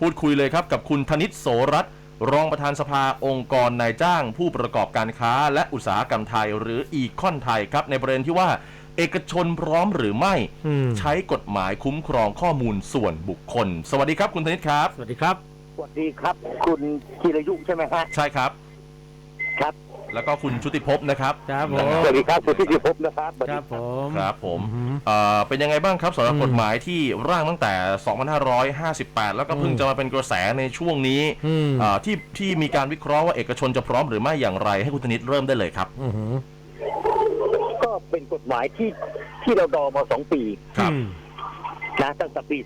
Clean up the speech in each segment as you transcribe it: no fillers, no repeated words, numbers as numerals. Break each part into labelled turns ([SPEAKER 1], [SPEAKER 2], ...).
[SPEAKER 1] พูดคุยเลยครับกับคุณธนิต โสรัตน์รองประธานสภาองค์กรนายจ้างผู้ประกอบการค้าและอุตสาหกรรมไทยหรืออีคอนไทยครับในประเด็นที่ว่าเอกชนพร้อมหรือไม่ใช้กฎหมายคุ้มครองข้อมูลส่วนบุคคลสวัสดีครับคุณธนิตครับ
[SPEAKER 2] สวัสดีครับ
[SPEAKER 3] สวัสดีครับคุณธีรยุใช่ไหมฮะ
[SPEAKER 1] ใช่ครับ
[SPEAKER 3] ครับ
[SPEAKER 1] แล้วก็คุณชุติภพนะครับ
[SPEAKER 2] ครับผม
[SPEAKER 3] สวัสดีครับคุณธีรภพนะครับ
[SPEAKER 2] ครับผม
[SPEAKER 1] ครับผมเป็นยังไงบ้างครับสำหรับกฎหมายที่ร่างตั้งแต่2558แล้วก็เพิ่งจะมาเป็นกระแสในช่วงนี้ที่มีการวิเคราะห์ว่าเอกชนจะพร้อมหรือไม่อย่างไรให้คุณธนิตเริ่มได้เลยครับ
[SPEAKER 3] ก็เป็นกฎหมายที่เราดอมา2 ปี
[SPEAKER 1] ครับ
[SPEAKER 3] นะตั้งแต่ปี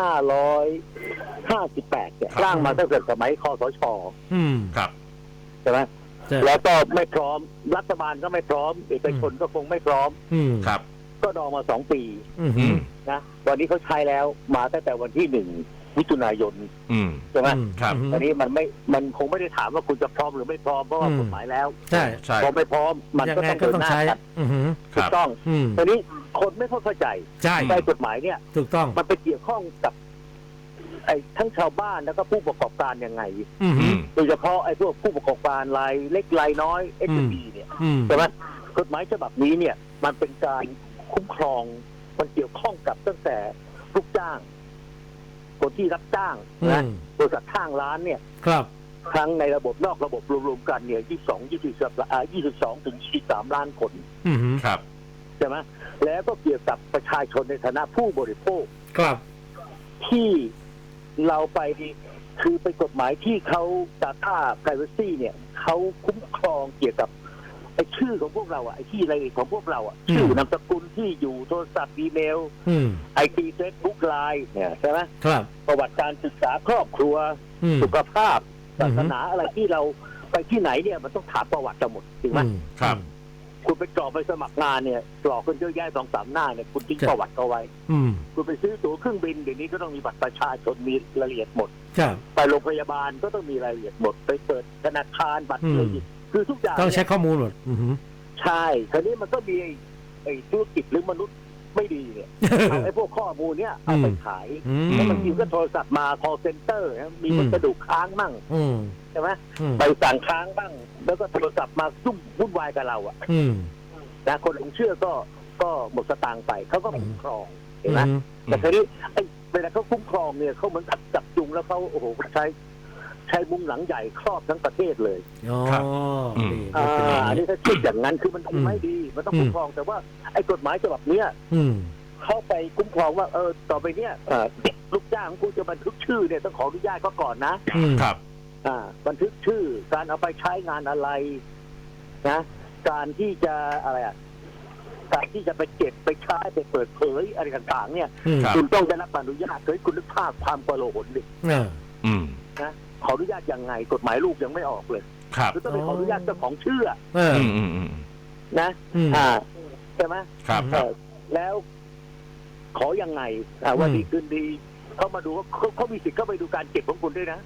[SPEAKER 3] 2558เนี่ยร่างมาตั้งแต่สมัยคสช.
[SPEAKER 1] ครับ
[SPEAKER 3] ใช่ไหมแล้วก็ไม่พร้อมรัฐบาลก็ไม่พร้อมเอกชนก็คงไม่พร้อม
[SPEAKER 1] ครับ
[SPEAKER 3] ก็ดอมา2 ปีนะวันนี้เขาใช้แล้วมาตั้งแต่วันที่1 มิถุนายนใช่ไหม
[SPEAKER 1] ครับ
[SPEAKER 3] อันนี้มันคงไม่ได้ถามว่าคุณจะพร้อมหรือไม่พร้อมเพราะว่ากฎหมายแล้ว
[SPEAKER 2] ใช่
[SPEAKER 1] ใช่
[SPEAKER 3] พอไม่พร้อมมันก็ต้องเดินหน้ากันถูกต้องตอนนี้คนไม่เข้าใจ
[SPEAKER 2] ใช่
[SPEAKER 3] กฎหมายเนี่ย
[SPEAKER 2] ถูกต้อง
[SPEAKER 3] มันไปเกี่ยวข้องกับไอ้ทั้งชาวบ้านแล้วก็ผู้ประกอบการยังไงโดยเฉพาะไอ้พวกผู้ประกอบการรายเล็กรายน้อย SME เนี่ยใช่ไหมกฎหมายฉบับนี้เนี่ยมันเป็นการคุ้มครองมันเกี่ยวข้องกับตั้งแต่ลูกจ้างคนที่รับจ้างนะบริษัทข้างร้านเนี่ย
[SPEAKER 2] ครับ
[SPEAKER 3] ทั้งในระบบนอกระบบรวมๆกันเนี่ย22 ถึง 23 ล้านคน
[SPEAKER 1] ครับ
[SPEAKER 3] ใช่ไหมแล้วก็เกี่ยวกับประชาชนในฐานะผู้บริโภค
[SPEAKER 2] ครับ
[SPEAKER 3] ที่เราไปคือเป็นกฎหมายที่เขา Data Privacy เนี่ยเขาคุ้มครองเกี่ยวกับไอ้ชื่อของพวกเราไอ้ที่รายละเอียดของพวกเราชื่อนามสกุลที่อยู่โทรศัพท์อีเมลIP Facebook Line เนี่ยใช่ไหม
[SPEAKER 2] ครับ
[SPEAKER 3] ประวัติการศึกษาครอบครัวสุขภาพศาสนาอะไรที่เราไปที่ไหนเนี่ยมันต้องถามประวัติทั้งหมดจริงไหม
[SPEAKER 1] ครับ
[SPEAKER 3] คุณไปกรอกไปสมัครงานเนี่ยกรอกคนเยอะแยะ2-3 หน้าเนี่ยคุณทิ้งประวัติเอาไว้คุณไปซื้อตั๋วเครื่องบินเดี๋ยวนี้ก็ต้องมีบัตรประชาชนมีรายละเอียดหมดไปโรงพยาบาลก็ต้องมีรายละเอียดหมดไปเปิดธนาคารบัตรเครดิตคือทุกอย่าง
[SPEAKER 2] ต้องใช้ข้อมูลหมด
[SPEAKER 3] ใช่คราวนี้มันก็มีไอ้ธุรกิจหรือมนุษย์ไม่ดีเนี่ยเอาไอ้พวกข้อมูลเนี่ยเอาไปขายแล้วบางทีก็โทรศัพท์มา call center มีมันกระดูกค้างมั่งใช่ไหมไปสั่งค้างบ้างแล้วก็โทรศัพท์มายุ่งวุ่นวายกับเรานะคนหลงเชื่อก็หมดสตางค์ไปเขาก็คุ้มครองเห็นไหมแต่ทีนี้ไอ้เวลาเขาคุ้มครองเนี่ยเขาเหมือนจับจุงแล้วเขาโอ้โหใช้มุ้งหลังใหญ่ครอบทั้งประเทศเลย
[SPEAKER 1] ครับ
[SPEAKER 3] อันนี้ถ้าคิดอย่างนั้นคือมันไม่ดีมันต้องคุ้มครองแต่ว่าไอ้กฎหมายฉบับเนี้ยเข้าไปคุ้มครองว่าต่อไปเนี้ยลูกจ้างกูจะบันทึกชื่อเนี่ยต้องขออนุญาตเขาก่อนนะครับบันทึกชื่อการเอาไปใช้งานอะไรนะการที่จะอะไรการที่จะไปเก็บไปใช้ไปเปิดเผยอะไรต่างๆเนี่ยคุณต้องได้รับอนุญาตเคยคุณนึกภาพความโกลาหลดินะขออนุญาตยังไงกฎหมายลูกยังไม่ออกเลยคือต้องไปขออนุญาตเจ้าของชื่อนะใช่ไหมแล้วขอยังไงวันดีคืนดีเขามาดูว่าเขามีสิทธิ์เข้าไปดูการเก็บของคุณด้วยนะ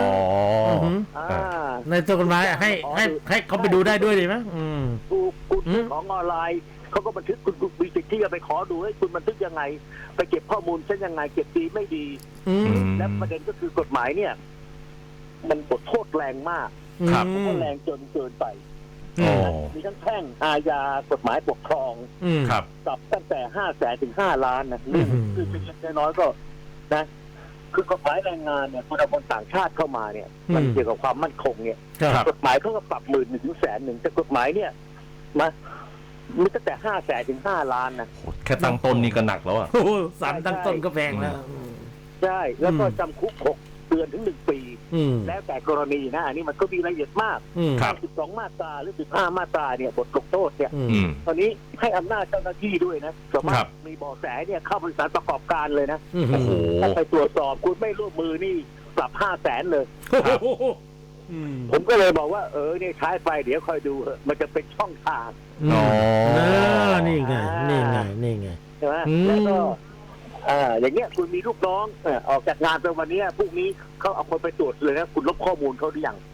[SPEAKER 2] ในตัวกฎหมายให้เขาไปดูได้ด้วยดีไหม
[SPEAKER 3] คุณของออนไลน์เขาก็บันทึกคุณมีสิทธิ์ที่จะไปขอดูให้คุณบันทึกยังไงไปเก็บข้อมูลเช่นยังไงเก็บดีไม่ดีและประเด็นก็คือกฎหมายเนี่ยมันบทโทษแรงมากเพราะแรงจนเกินไปมีทั้งแพ่งอาญากฎหมายปกครองปรับตั้งแต่500,000 ถึง 5 ล้านนะคือเป็นเล็กน้อยก็นะคือกฎหมายแรงงานเนี่ยคนเอาคนต่างชาติเข้ามาเนี่ยมันเกี่ยวกับความมั่นคงเนี่ยกฎหมายเขาก็ปรับ10,000 ถึง 100,000แต่กฎหมายเนี่ยมีตั้งแต่500,000 ถึง 5 ล้านนะ
[SPEAKER 1] แค่ตั้งต้นนี่ก็หนักแล้ว
[SPEAKER 2] ศาลตั้งต้นก็แพงแล้ว
[SPEAKER 3] ใช่แล้วก็จำคุก6 เดือนถึง 1 ปีแล้วแต่กรณีนะอันนี้มันก็มีรายละเอียดมาก12 มาตราหรือ15 มาตราเนี่ยบทลงโทษเนี่ยตอนนี้ให้อำนาจเจ้าหน้าที่ด้วยนะสมมติมีเบาะแสเนี่ยเข้าบริษัทประกอบการเลยนะถ้าไปตรวจสอบคุณไม่ร่วมมือนี่ปรับ500,000 เลยผมก็เลยบอกว่าเนี่ยใช้ไปเดี๋ยวคอยดูมันจะเป็นช่องทาง
[SPEAKER 2] นี่ไง
[SPEAKER 3] ใช่ไหมแล้วก็อย่างเงี้ยคุณมีลูกน้องออกจากงานไปวันนี้พรุ่งนี้เขาเอาคนไปตรวจเลยนะคุณลบข้อมูลเขาหรือยัง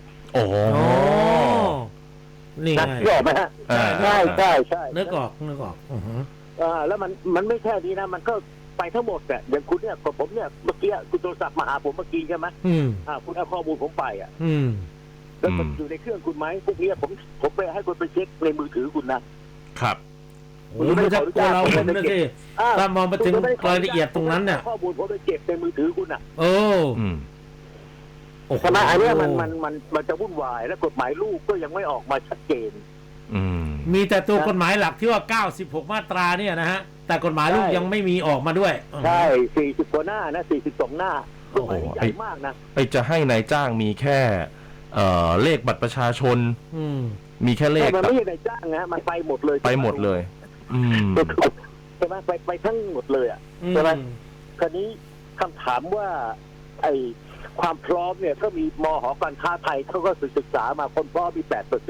[SPEAKER 2] นี่ไง
[SPEAKER 3] นึกออกไหมฮะใช่
[SPEAKER 2] นึกออก
[SPEAKER 3] แล้วมันไม่แค่นี้นะมันก็ไปทั้งหมดเนี่ยอย่างคุณเนี่ยกับผมเนี่ยเมื่อกี้คุณโทรศัพท์มาหาผมเมื่อกี้ใช่ไหมคุณเอาข้อมูลผมไปแล้วมันอยู่ในเครื่องคุณไหมพวกนี้ผมไปให้คุณไปเช็คในมือถือคุณนะครับ
[SPEAKER 2] โอ้มันจะกลัวเราผมนะสิถ้ามองไปถึงรายละเอียดตรงนั้นเนี่ย
[SPEAKER 3] ข้อมูลผมไปเก็บในมือถือคุณอ่ะ
[SPEAKER 2] โอ้
[SPEAKER 3] ใช่ไหมอันนี้มันจะวุ่นวายและกฎหมายลูกก็ยังไม่ออกมาชัดเจน
[SPEAKER 2] มีแต่ตัวกฎหมายหลักที่ว่า96มาตราเนี่ยนะฮะแต่กฎหมายลูกยังไม่มีออกมาด้วย
[SPEAKER 3] ใช่40กว่าหน้านะ42หน้ากฎหมายใหญ่มากนะ
[SPEAKER 1] ไอจะให้นายจ้างมีแค่เลขบัตรประชาชนมีแค่เลข
[SPEAKER 3] มันไม่ใช่นายจ้างนะมันไปหมดเลย
[SPEAKER 1] ไปหมดเลย
[SPEAKER 3] ใช่ไหมไปทั้งหมดเลยอ่ะใช่ไหมคราวนี้คำถามว่าไอความพร้อมเนี่ยก็มีมห.การค้าไทยเขาก็ศึกษามาคนพร้อมมี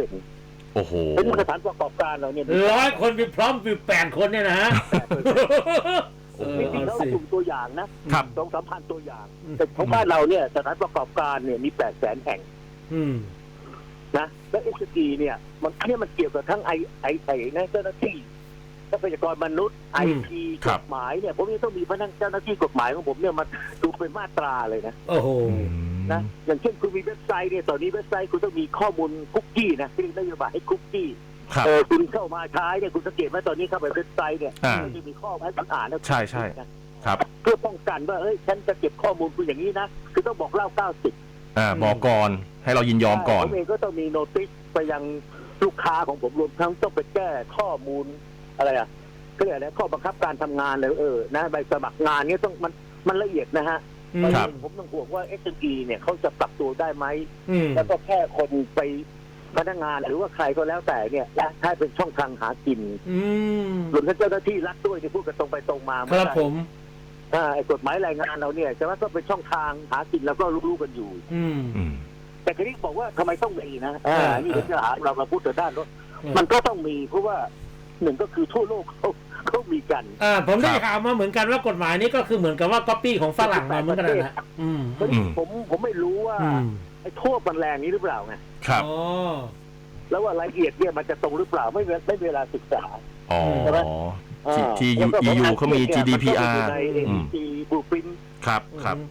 [SPEAKER 3] 8%
[SPEAKER 1] โอ้โห
[SPEAKER 3] เป็นสถานประกอบการเราเนี่ย
[SPEAKER 2] 100 คนมีพร้อมมี8 คนเนี่ยนะฮะ
[SPEAKER 3] จริงๆแล้วกลุ่มตัวอย่างนะ2-3,000 ตัวอย่างแต่ของบ้านเราเนี่ยสถานประกอบการเนี่ยมี800,000 แห่งนะแล้ว SG เนี่ยมันเกี่ยวกับทั้งไอนะเจ้าหน้าที่ทรัพยากรมนุษย์ IT กฎหมายเนี่ยผมยังต้องมีพนักเจ้าหน้าที่กฎหมายของผมเนี่ยมาดูเป็นมาตราเลยนะ
[SPEAKER 2] โอ้โห
[SPEAKER 3] นะอย่างเช่นคุณมีเว็บไซต์เนี่ยตอนนี้เว็บไซต์คุณต้องมีข้อมูลคุกกี้นะที่เรียกนโยบายให้คุกกี้คุณเข้ามาใช้เนี่ยคุณสังเกตว่าตอนนี้เข้าไปเว็บไซต์เนี่ยมันจะมีข้อให้คุณอ่านแล้ว
[SPEAKER 1] ใช่ครับ
[SPEAKER 3] เพื่อป้องกันว่าฉันจะเก็บข้อมูลคุณอย่างนี้นะคือต้องบอกเล่า90
[SPEAKER 1] บอกก่อนให้เรายินยอมก่อน
[SPEAKER 3] ผมเองก็ต้องมีโน้ติสไปยังลูกค้าของผมรวมทั้งต้องไปแก้ข้อมูลอะไรอ่ะก็เรียกอะไรข้อบังคับการทำงานเลยนะใบสมัครงานนี้ต้องมันละเอียดนะฮะผมต้องห่วงว่า SME เนี่ยเขาจะปรับตัวได้ไหมแล้วก็แค่คนไปพนักงานหรือว่าใครก็แล้วแต่เนี่ยถ้าเป็นช่องทางหากินรวมทั้งเจ้าหน้าที่รัฐด้วยที่พูดกันตรงไปตรงมา
[SPEAKER 2] ครับผม
[SPEAKER 3] ไอ้กฎหมายแรงงานเราเนี่ยจะว่าต้องเป็นช่องทางหากินแล้วก็รู้กันอยู่แต่คราวนี้บอกว่าทำไมต้องมีนะนี่เป็นปัญหาเราพูดแต่ด้านรถมันก็ต้องมีเพราะว่าหนึ่งก็คือทั่วโลกเขามีกัน
[SPEAKER 2] ผมได้ข่าวมาเหมือนกันว่ากฎหมายนี้ก็คือเหมือนกับว่าก๊อปปี้ของฝรั่งมาเหมือนกันนะ
[SPEAKER 3] ผมไม่รู้ว่าไอ้โทษมันแรงนี้หรือเปล่าไง
[SPEAKER 1] ครับ
[SPEAKER 3] แล้วว่ารายละเอียดเนี่ยมันจะตรงหรือเปล่าไม่เวลาศึกษา
[SPEAKER 1] ใช่ไหมที่EU เขามี GDPR
[SPEAKER 3] ใน NEC Blueprint
[SPEAKER 1] ครับ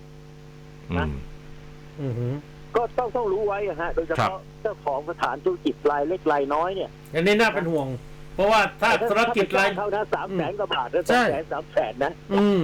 [SPEAKER 3] ก็ต้องรู้ไว้ฮะโดยเฉพาะเจ้าของสถานธุรกิจรายเล็กรายน้อยเนี่ย
[SPEAKER 2] อันนี้น่าเป็นห่วงเพราะว่าถ้าธุรกิจราย
[SPEAKER 3] เขานะ300,000 กว่าบาทแล้ว300,000 นะ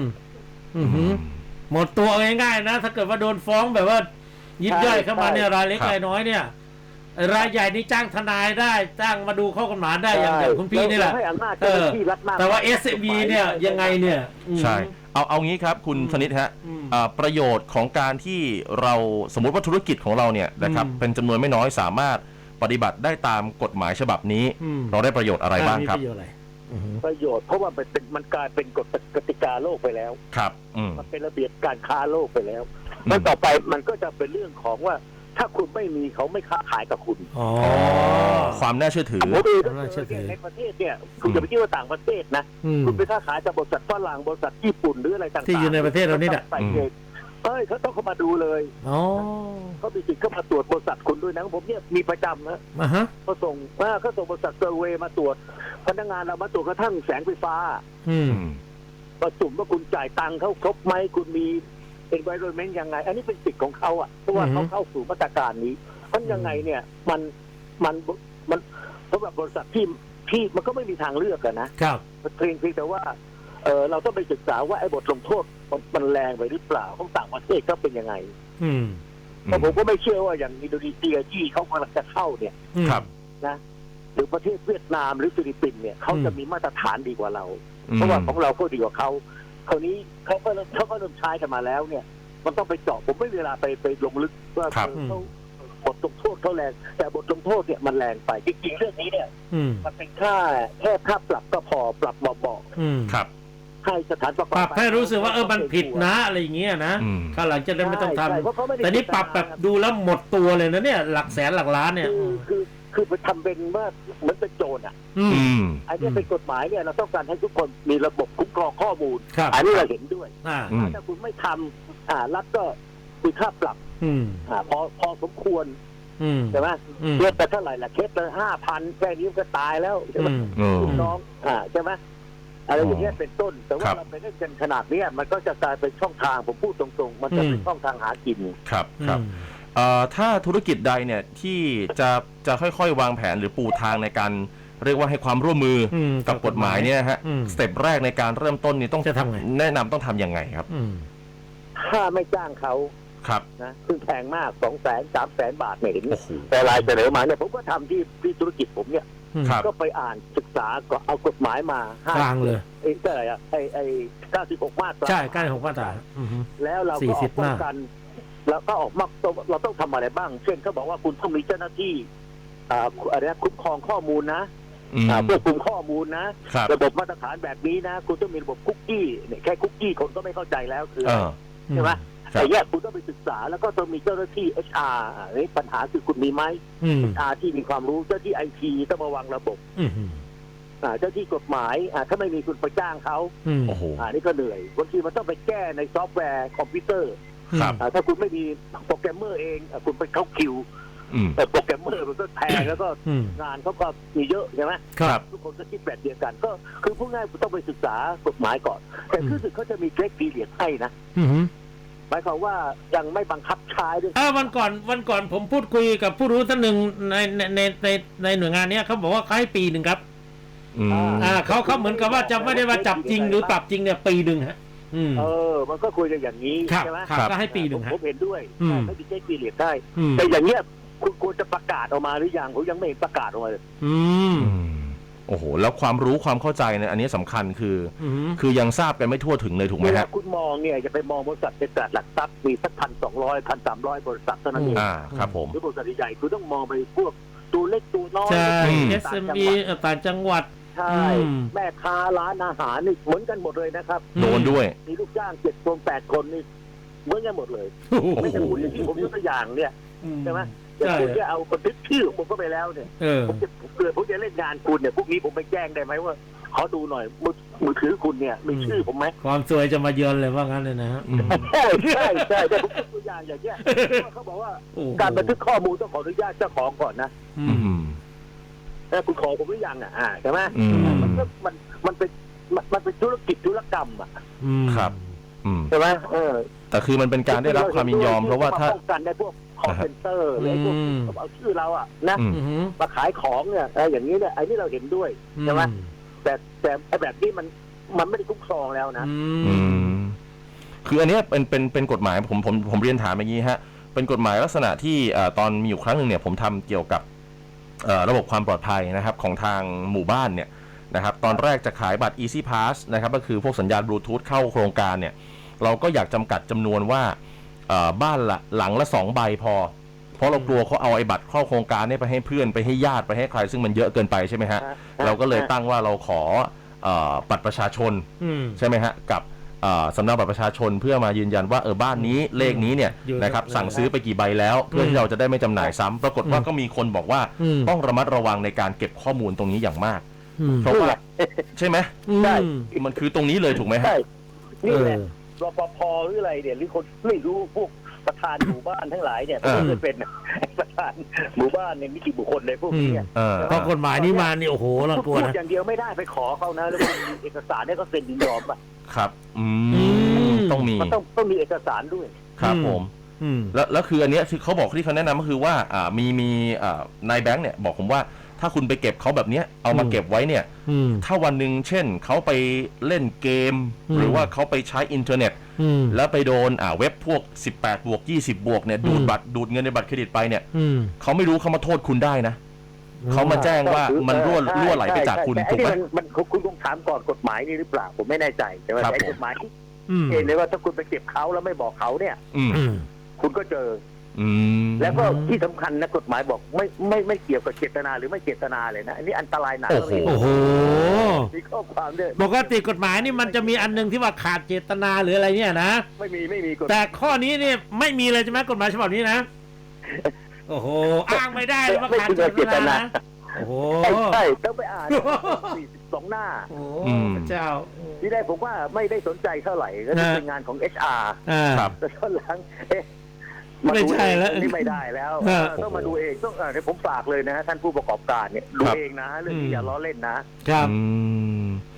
[SPEAKER 2] หมดตัวง่ายๆนะถ้าเกิดว่าโดนฟ้องแบบว่ายิบย่อยเข้ามาเนี่ยรายเล็กรายน้อยเนี่ยรายใหญ่นี่จ้างทนายได้จ้างมาดูข้อกฎหมายได้อย่างคุณพี่นี่แหละแต่ว่า SME เนี่ยยังไงเนี่ย
[SPEAKER 1] ใช่เอางี้ครับคุณธนิตฮะประโยชน์ของการที่เราสมมติว่าธุรกิจของเราเนี่ยนะครับเป็นจำนวนไม่น้อยสามารถปฏิบัติได้ตามกฎหมายฉบับนี้เราได้ประโยชน์อะไรบ้างครับ
[SPEAKER 3] ประโยชน์เพราะว่ามันกลายเป็นกฎกติกาโลกไปแล้ว
[SPEAKER 1] ครับ
[SPEAKER 3] มันเป็นระเบียบการค้าโลกไปแล้วแล้วต่อไปมันก็จะเป็นเรื่องของว่าถ้าคุณไม่มีเขาไม่ค้าขายกับคุณ
[SPEAKER 1] ความน่าเชื่อถือ
[SPEAKER 3] ในประเทศเนี่ยคุณจะไปคิดว่าต่างประเทศนะคุณไปค้าขายกับบริษัทฝรั่งบริษัทญี่ปุ่นหรืออะไรต่างๆ
[SPEAKER 2] ที่อยู่ในประเทศเรานี่แหละ
[SPEAKER 3] เขาต้องเข้ามาดูเลยเขามีสิทธิ์เข้ามาตรวจบริษัทคุณด้วยนะผมเนี่ยมีประจำนะเขาส่งบริษัทเซอร์เวย์มาตรวจพนักงานเรามาตรวจกระทั่งแสงไฟฟ้าประจุว่าคุณจ่ายตังค์เขาครบไหมคุณมีenvironment ยังไงอันนี้เป็นสิทธิ์ของเขาอ่ะเพราะว่าเขาเข้าสู่มาตรการนี้เพราะยังไงเนี่ยมันสำหรับบริษัทที่มันก็ไม่มีทางเลือกกันนะครับเพียงแต่ว่าเราต้องไปศึกษาว่าไอ้บทลงโทษมันแรงไปหรือเปล่าของต่างประเทศก็เป็นยังไงแต่ผมก็ไม่เชื่อว่าอย่างอินโดนีเซียที่เขากำลังจะเข้าเนี่ยนะหรือประเทศเวียดนามหรือฟิลิปปินส์เนี่ยเขาจะมีมาตรฐานดีกว่าเราเพราะว่าของเราก็ดีกว่าเขาคราวนี้เขาก็เริ่มใช้กันมาแล้วเนี่ยมันต้องไปเจาะผมไม่เวลาไปลงลึกว่าเขาบทลงโทษเขาแรงแต่บทลงโทษเนี่ยมันแรงไปจริงๆเรื่องนี้เนี่ยมันเป็นแค่ค่าปรับก็พอปรับเบา
[SPEAKER 1] ๆครับ
[SPEAKER 3] ให้สถานประกอบ
[SPEAKER 2] การให้รู้สึกว่ามันผิดนะอะไรอย่างเงี้ยนะข้างหลังจะได้ไม่ต้องทำแต่นี่ปรับแบบดูแล้วหมดตัวเลยนะเนี่ยหลักแสนหลักล้านเนี่ย
[SPEAKER 3] คือไปทำเป็นว่าเหมือนเป็นโจรอันนี้เป็นกฎหมายเนี่ยเราต้องการให้ทุกคนมีระบบคุ้มครองข้อมูลอันนี้เราเห็นด้วยถ้าคุณไม่ทำรัฐก็มีค่าปรับพอสมควรใช่ไหมเคสแต่เท่าไหร่ล่ะเคสละ5,000แค่นี้ก็ตายแล้วใช่ไหมลูกน้องใช่ไหมอะไรอย่างเงี้ยเป็นต้นแต่
[SPEAKER 1] ค
[SPEAKER 3] ว่า
[SPEAKER 1] รับ
[SPEAKER 3] เราไปเล่นกันขนาดเนี้ยมันก็จะกลายเป็นช่องทางผมพูดตรงๆ มันจะเป็นช่องทางหากิน
[SPEAKER 1] ครับครับถ้าธุรกิจใดเนี่ยที่จะค่อยๆวางแผนหรือปูทางในการเรียกว่าให้ความร่วมมือกับกฎหมายเนี่ยฮะสเต็ปแรกในการเริ่มต้นนี่ต้อง
[SPEAKER 2] จะทำไง
[SPEAKER 1] แนะนำต้องทำยังไงครับ
[SPEAKER 3] ถ้าไม่จ้างเขา
[SPEAKER 1] ครับ
[SPEAKER 3] นะซึ่งแพงมาก 200,000 300,000 บาทเนี่ยเห็น
[SPEAKER 1] โอ้โห
[SPEAKER 3] แต่รายเสนอมาเนี่ยผมก็ทำที่ธุรกิจผมเนี่ย
[SPEAKER 1] ครับ
[SPEAKER 3] ก็ไปอ่านศึกษาก็เอากฎหมายมาก
[SPEAKER 2] ลางเลย
[SPEAKER 3] ไอ้อะไรอะไอ้96 มาตรา
[SPEAKER 2] ใช่ใกล้ของมาตรา
[SPEAKER 3] แล้วเราก็ออก
[SPEAKER 2] 40
[SPEAKER 3] ป้องกันแล้วก็ออกมาเราต้องทำอะไรบ้าง เช่นเขาบอกว่าคุณต้องมีเจ้าหน้าที่อะไรนะคุ้มครองข้อมูลนะเพื่อคุมข้อมูลนะ
[SPEAKER 1] ครับ
[SPEAKER 3] ระบบมาตรฐานแบบนี้นะคุณต้องมีระบบคุกกี้เนี่ยแค่คุกกี้คนก็ไม่เข้าใจแล้วคือ ใช่ไหม
[SPEAKER 1] ครับ
[SPEAKER 3] ไอ้เนี่ยคุณต้องไปศึกษาแล้วก็ต้องมีเจ้าหน้าที่ HR นี่ปัญหาคือคุณมีไหม HR ที่มีความรู้เจ้าที่ IT ต้องมาวางระบบเจ้าที่กฎหมายถ้าไม่มีคุณไปจ้างเขา
[SPEAKER 1] โอ้โห
[SPEAKER 3] นี่ก็เหนื่อยบางทีมันต้องไปแก้ในซอฟต์แวร์คอมพิวเตอร์
[SPEAKER 1] ครับ
[SPEAKER 3] ถ้าคุณไม่มีโปรแกรมเมอร์เองคุณไปเข้าคิวแต่โปรแกรมเมอร์มันก็แพงแล้วก็งานเขาก็มีเยอะใช่ไหม
[SPEAKER 1] ครับ
[SPEAKER 3] ทุกคนก็คิดแบบเดียวกันก็คือพูดง่ายคุณต้องไปศึกษากฎหมายก่อนแต่คือสึกเขาจะมีเกรดปีเรียดให้นะหมายความว่ายังไม่บังคับใช้ด้วย
[SPEAKER 2] วันก่อนผมพูดคุยกับผู้รู้ท่านหนึ่งในหน่วยงานเนี้ยเขาบอกว่าเขาให้ปีหนึ่งครับเขาเหมือนกับว่าจะไม่ได้ว่าจับจริงหรือปรับจริงเนี่ยปีหนึ่งฮะ
[SPEAKER 3] มันก็คุยกันอย่างนี้ใช่ไหม
[SPEAKER 2] ก็ให้ปีหนึ่ง
[SPEAKER 3] ผมเห็นด้วยไม่มีเกรดปีเรียดได้แต่อย่างเงี้ยคุณควรจะประกาศออกมาหรือยังผมยังไม่เห็นประกาศออกมาเลย
[SPEAKER 1] โอ้โหแล้วความรู้ความเข้าใจเนี่ยอันนี้สำคัญคือยังทราบกันไม่ทั่วถึงเลยถูกไหมครับ
[SPEAKER 3] คุณมองเนี่ยจะไปมองบริษัทในตลาดหลักทรัพย์มีสัก1,200 1,300 บริษัทเท่านั้นเอง
[SPEAKER 1] ครับผม
[SPEAKER 3] หรือบริษัทใหญ่คุณต้องมองไปพวกตัวเล็กตัวน้อย
[SPEAKER 2] ใช่ SME ต่างจังหวัด
[SPEAKER 3] ใช่แม่ค้าร้านอาหารนี่เหมือนกันหมดเลยนะครับ
[SPEAKER 1] โดนด้วย
[SPEAKER 3] มีลูกจ้าง7 คน 8 คนนี่เหมือนกันหมดเลยไม่ใช่คุณที่ผมยกตัวอย่างเนี่ยใช่ไหมแต่คุณจะเอาบันทึกชื่อผมก็ไปแล้วเนี่ยผมจะเล่นงานคุณเนี่ยพวกนี้ผมไปแจ้งได้ไหมว่าขอดูหน่อยมือถือคุณเนี่ยมีชื่อผมไหม
[SPEAKER 2] ความสวยจะมาเยือนเลยว่างั้นเลยนะ
[SPEAKER 3] ใช่แต่ผมยกตัวอย่างอย่างเงี้ยเขาบอกว่าการบันทึกข้อมูลต้องขออนุญาตเจ้าของก่อนนะแต่คุณขอผมหรือยังใช่ไหมมันเป็นธุรกิจธุรกรรม
[SPEAKER 1] ครับ
[SPEAKER 3] ใช่ไหม
[SPEAKER 1] แต่คือมันเป็นการได้รับความยินยอมเพราะว่าถ้า
[SPEAKER 3] ป้องกันได้พวกคอลเซ็นเตอร์อะไรพวกเอาชื่อเรานะมาขายของเนี่ยอย่างนี้เนี่ยไอ้นี่เราเห็นด้วยใช่ไหมแต่แบบนี้มันไม่ได้คุ้มครองแล้วนะ
[SPEAKER 1] คืออันนี้เป็นกฎหมายผมเรียนถามอย่างนี้ฮะเป็นกฎหมายลักษณะที่ตอนมีอยู่ครั้งหนึ่งเนี่ยผมทำเกี่ยวกับระบบความปลอดภัยนะครับของทางหมู่บ้านเนี่ยนะครับตอนแรกจะขายบัตร Easy Pass นะครับก็คือพวกสัญญาณบลูทูธเข้าโครงการเนี่ยเราก็อยากจำกัดจำนวนว่าบ้านหลังละ2 ใบพอเพราะเรากลัวเขาเอาไอ้บัตรเข้าโครงการนี้ไปให้เพื่อนไปให้ญาติไปให้ใครซึ่งมันเยอะเกินไปใช่ไหมฮะเราก็เลยตั้งว่าเราขอบัตรประชาชนใช่ไหมฮะกับสำเนาบัตรประชาชนเพื่อมายืนยันว่าบ้านนี้เลขนี้เนี่ยนะครับสั่งซื้อไปกี่ใบแล้วเพื่อที่เราจะได้ไม่จำหน่ายซ้ำปรากฏว่าก็มีคนบอกว่าต้องระมัดระวังในการเก็บข้อมูลตรงนี้อย่างมากเพราะว่าใช่ไหม
[SPEAKER 3] ใช่
[SPEAKER 1] มันคือตรงนี้เลยถูกไหมฮะ
[SPEAKER 3] นี่แหละรปภหรืออะไรเนี่ยหรือคนไม่รู้พวกประธานหมู่บ้านทั้งหลายเนี่ยก็จะเป็นประธานหมู่บ้านเนี่ยมีกี่บุคคลเลยพวกนี้
[SPEAKER 2] เพราะกฎหมายนี้มานี่โอ้โหเรากลัวนะ
[SPEAKER 3] อย่างเดียวไม่ได้ไปขอเขานะแล้วมีเอกสารเนี่ยก็เซ็นยินยอมป่ะ
[SPEAKER 1] ครับต้องมี
[SPEAKER 3] มันต้องมีเอกสารด้วย
[SPEAKER 1] ครับผมแล้วคืออันนี้ที่เขาบอกที่เขาแนะนำก็คือว่ามีนายแบงค์เนี่ยบอกผมว่าถ้าคุณไปเก็บเขาแบบนี้เอามาเก็บไว้เนี่ยถ้าวันหนึ่งเช่นเขาไปเล่นเกมหรือว่าเขาไปใช้อินเทอร์เน็ตแล้วไปโดนเว็บพวก18 บวก 20 บวกเนี่ยดูดเงินในบัตรเครดิตไปเนี่ยเขาไม่รู้เขามาโทษคุณได้นะเขามาแจ้งว่ามันรั่วไหลไปจากคุณถูกไหม
[SPEAKER 3] มันคุณต้องถามก่อนกฎหมายนี่หรือเปล่าผมไม่แน่ใจแต่ว่าไอ้กฎหมายเห็นเลยว่าถ้าคุณไปเก็บเขาแล้วไม่บอกเขาเนี่ยคุณก็เจอแล้วก็ที่สำคัญนะกฎหมายบอกไม่เกี่ยวกับเจตนาหรือไม่เจตนาเลยนะอันนี้อันตรายหนัก
[SPEAKER 2] โอ้โห
[SPEAKER 3] มีข้อความด้วย
[SPEAKER 2] ปกติกฎหมายนี่มันจะมีอันนึงที่ว่าขาดเจตนาหรืออะไรเนี่ยนะ
[SPEAKER 3] ไม่มี
[SPEAKER 2] แต่ข้อนี้เนี่ยไม่มีเลยใช่ไหมกฎหมายฉบับนี้นะโอ้โหอ้างไม่ได้ว่าขาดเจตนาโอ้โห
[SPEAKER 3] ใช่ต้องไปอ่าน42 หน้า
[SPEAKER 2] โอ้เจ้า
[SPEAKER 3] ที่ได้ผมว่าไม่ได้สนใจเท่าไหร่ก็เป็นงานของ HR
[SPEAKER 1] ครับ
[SPEAKER 3] แต่ตอนหลัง
[SPEAKER 2] ไม่ใช่แล้ว
[SPEAKER 3] นี่ไม่ได้แล้วต้องมาดูเองต้องผมฝากเลยนะท่านผู้ประกอบการเนี่ยดูเองนะเรื่องนี้อย่าล้อเล่นนะครับ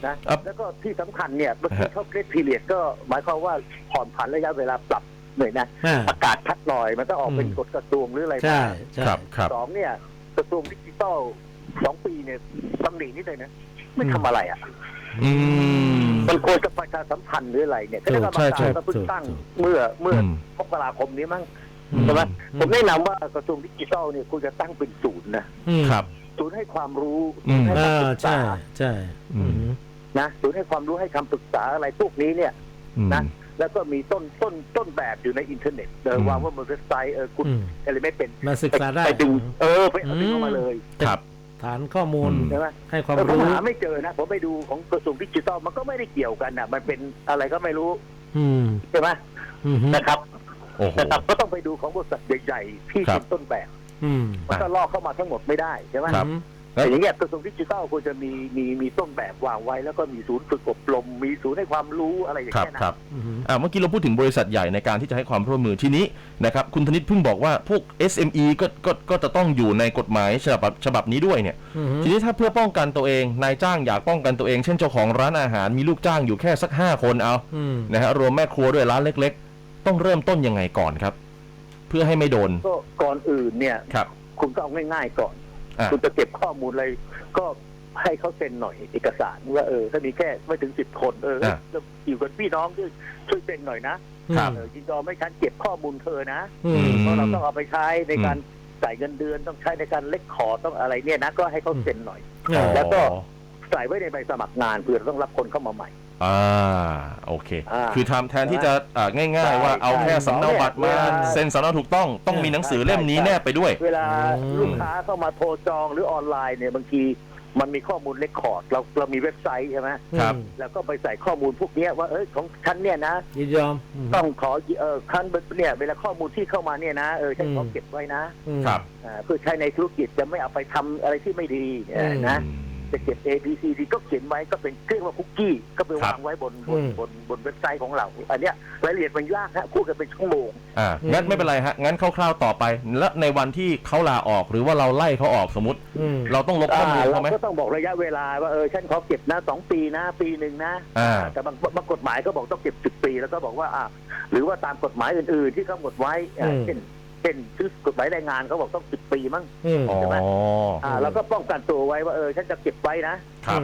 [SPEAKER 3] นะแล้วก็ที่สำคัญเนี่ยเมื่อกี้เขาเกรดพีเรียดก็หมายความว่าผ่อนผันระยะเวลาปรับหน่อยนะประกาศชัดหน่อยมันก็ออกเป็นกฎกระทรวงหรืออะไร
[SPEAKER 2] ใช่ใช่
[SPEAKER 1] ครับ
[SPEAKER 3] สองเนี่ยกระทรวงดิจิทัล2 ปีเนี่ยตำหนินิดเลยนะไม่ทำอะไรอ่ะมันควรจะประชาสัมพันธ์หรืออะไรเนี่ยคณะกรรมการก็เพิ่งตั้งเมื่อมกราคมนี้มั้งใช่ไหมผมแนะนำว่ากระทรวงดิจิทัลเนี่ยควรจะตั้งเป็นศูนย์นะครับ ศูนย์ให้ความรู้ศูนย์ให้คำปรึกษา
[SPEAKER 2] ใช่
[SPEAKER 3] นะศูนย์ให้ความรู้ให้คำปรึกษาอะไรพวกนี้เนี่ยนะแล้วก็มีต้นแบบอยู่ในอินเทอร์เน็ตวางว่าบนเว็บไซต์คุณอะไรไม่เป็น
[SPEAKER 2] มาศึกษาได้
[SPEAKER 3] ไปดึงไปเอาดึงเข้ามาเลย
[SPEAKER 1] ครับ
[SPEAKER 2] ฐานข้อมูล
[SPEAKER 3] ใช่ไหม
[SPEAKER 2] ให้ความรู้
[SPEAKER 3] ผมหาไม่เจอนะผมไปดูของกระทรวงดิจิทัลมันก็ไม่ได้เกี่ยวกันมันเป็นอะไรก็ไม่รู้ใช่ไหมนะครับแต่ก็ต้องไปดูของบริษัทใหญ่ๆที่เป็นต้นแบบมันก็ลอกเข้ามาทั้งหมดไม่ได้ใช่ไหมแต่อย่างเงี้ยกระทรวงดิจิทัลควรจะมีต้นแบบวางไว้แล้วก็มีศูนย์ฝึกอบรมมีศูนย์ให้ความรู้อะไรอย่างเงี้ยนะครับ
[SPEAKER 1] เมื่อกี้เราพูดถึงบริษัทใหญ่ในการที่จะให้ความร่วมมือทีนี้นะครับคุณธนิตเพิ่งบอกว่าพวก SME ก็จะต้องอยู่ในกฎหมายฉบับนี้ด้วยเนี่ยทีนี้ถ้าเพื่อป้องกันตัวเองนายจ้างอยากป้องกันตัวเองเช่นเจ้าของร้านอาหารมีลูกจ้างอยู่แค่สัก5 คนเอานะฮะรวมแม่ครัวด้วยร้านเล็กๆต้องเริ่มต้นยังไงก่อนครับเพื่อให้ไม่โดน
[SPEAKER 3] ก็ก่อนอื่นเนี่ยคุณก็เอาง่ายๆก่อนคุณจะเก็บข้อมูลอะไรก็ให้เขาเซ็นหน่อยเอกสารว่าถ้ามีแค่ไม่ถึง10 คนอยู่กับพี่น้องช่วยเซ็นหน่อยนะยินยอมให้ฉันเก็บข้อมูลเธอนะเพราะเราต้องเอาไปใช้ในการจ่ายเงินเดือนต้องใช้ในการเล็กขอต้องอะไรเนี่ยนะก็ให้เขาเซ็นหน่อยแล้วก็ใส่ไว้ในใบสมัครงานเพื่อต้องรับคนเข้ามาใหม่
[SPEAKER 1] โอเคคือทำแทนที่จะง่ายๆว่าเอาแค่สำเนาบัตรมาเซ็นสำเนาถูกต้องมีหนังสือเล่มนี้แนบไปด้วย
[SPEAKER 3] เวลาลูกค้าเข้ามาโทรจองหรือออนไลน์เนี่ยบางทีมันมีข้อมูลเรคคอร์ดเรามีเว็บไซต์ใช่ไหม
[SPEAKER 1] ครับ
[SPEAKER 3] แล้วก็ไปใส่ข้อมูลพวกนี้ว่าของฉันเนี่ยนะ
[SPEAKER 2] ยินยอม
[SPEAKER 3] ต้องขอคันเนี่ยเวลาข้อมูลที่เข้ามาเนี่ยนะฉันขอเก็บไว้นะครับเพื่อใช้ในธุรกิจจะไม่เอาไปทำอะไรที่ไม่ดีนะจะเก็บ A B C D ก็เขียนไว้ก็เป็นเรียกว่าคุกกี้ก็ไปวางไว้บนเว็บไซต์ของเราอันเนี้ยรายละเอียดมันยากฮะพูดกันเป็นชั่วโมง
[SPEAKER 1] งั้นไม่เป็นไรฮะงั้นคร่าวๆต่อไปแล้วในวันที่เขาลาออกหรือว่าเราไล่เขาออกสมมติเราต้องลบข้อมูลเขาไหม
[SPEAKER 3] เราก็ต้องบอกระยะเวลาว่าฉันขอเก็บนะ2 ปีนะปีหนึ่งนะแต่บางกฎหมายก็บอกต้องเก็บ10 ปีแล้วก็บอกว่าหรือว่าตามกฎหมายอื่นๆที่กำหนดไว้เช่นชื่อกฎหมายแรงงานเขาบอกต้อง10 ปีมั้งใช่ไหมเราก็ป้องกันตัวไว้ว่าฉันจะเก็บไว้นะครับ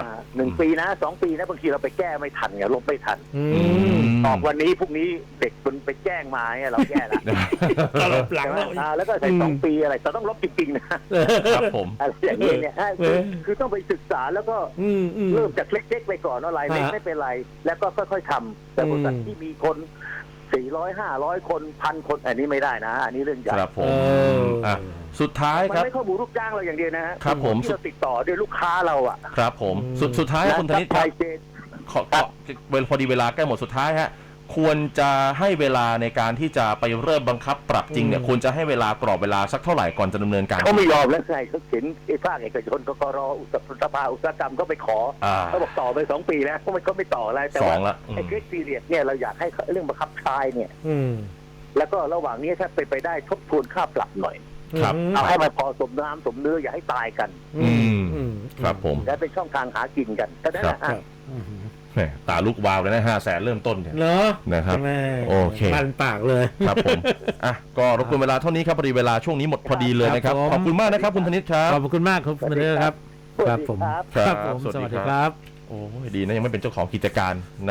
[SPEAKER 3] 1 ปีนะ2 ปีนะบางทีเราไปแก้ไม่ทันไงลบไม่ทันออกวันนี้พรุ่งนี้เด็กมันไปแจ้งมาเราแก้ละ
[SPEAKER 2] ก็ลบหลัง
[SPEAKER 3] แล้วก็ใส่2 ปีอะไรแต่ต้องลบจริงๆนะครับ
[SPEAKER 1] ผม
[SPEAKER 3] อะไรอย่างนี้เนี่ยคือต้องไปศึกษาแล้วก็เริ่มจากเล็กๆไปก่อนว่าอะไรเล็กไม่เป็นไรแล้วก็ค่อยๆทำแต่บริษัทที่มีคน400 500 คน 1,000 คนอันนี้ไม่ได้นะอันนี้เรื่องใหญ่
[SPEAKER 1] ครับผมสุดท้ายครับ
[SPEAKER 3] มันไม่ข้อมูลลูกจ้างเราอย่างเดียวนะครับ
[SPEAKER 1] ผม
[SPEAKER 3] ที่เราติดต่อด้วยลูกค้าเรา
[SPEAKER 1] ครับผมสุดท้ายคุณธนิตครับพอดีเวลาใกล้หมดสุดท้ายฮะควรจะให้เวลาในการที่จะไปเริ่มบังคับปรับจริงเนี่ยควรจะให้เวลากรอบเวลาสักเท่าไหร่ก่อนจะดำเนินการ
[SPEAKER 3] เขาไม่ยอมแล้วใช่เขาเขียนภาคเอกชนกกรสภาอุตสาหกรรมก็ไปขอเขาบอกต่อไป2 ปีแล้วเขาไม่ต่ออะไรแต่ว่าไอ้เกรดพีเรียดเนี่ยเราอยากให้เรื่องบังคับใช้เนี่ยแล้วก็ระหว่างนี้ถ้าเป็นไปได้ทบทวนค่าปรับหน่อยเอาให้มันพอสมน้ำสมเนื้ออย่าให้ตายกัน
[SPEAKER 1] ครับผม
[SPEAKER 3] และเป็นช่องทางหากินกันก็ได้นะ
[SPEAKER 1] ตาลูกวาวเลยนะ500,000เริ่มต้นเนี่ยนะครับโอเค
[SPEAKER 2] ปันปากเลย
[SPEAKER 1] ครับผมก็รบกวนเวลาเท่านี้ครับพอดีเวลาช่วงนี้หมดพอดีเลยนะครับขอบคุณมากนะครับคุณธนิตครับ
[SPEAKER 2] ขอบคุณมากครับคุณธนิตครับครับผมสวัสดีครับ
[SPEAKER 1] โอ้ดีนะยังไม่เป็นเจ้าของกิจการ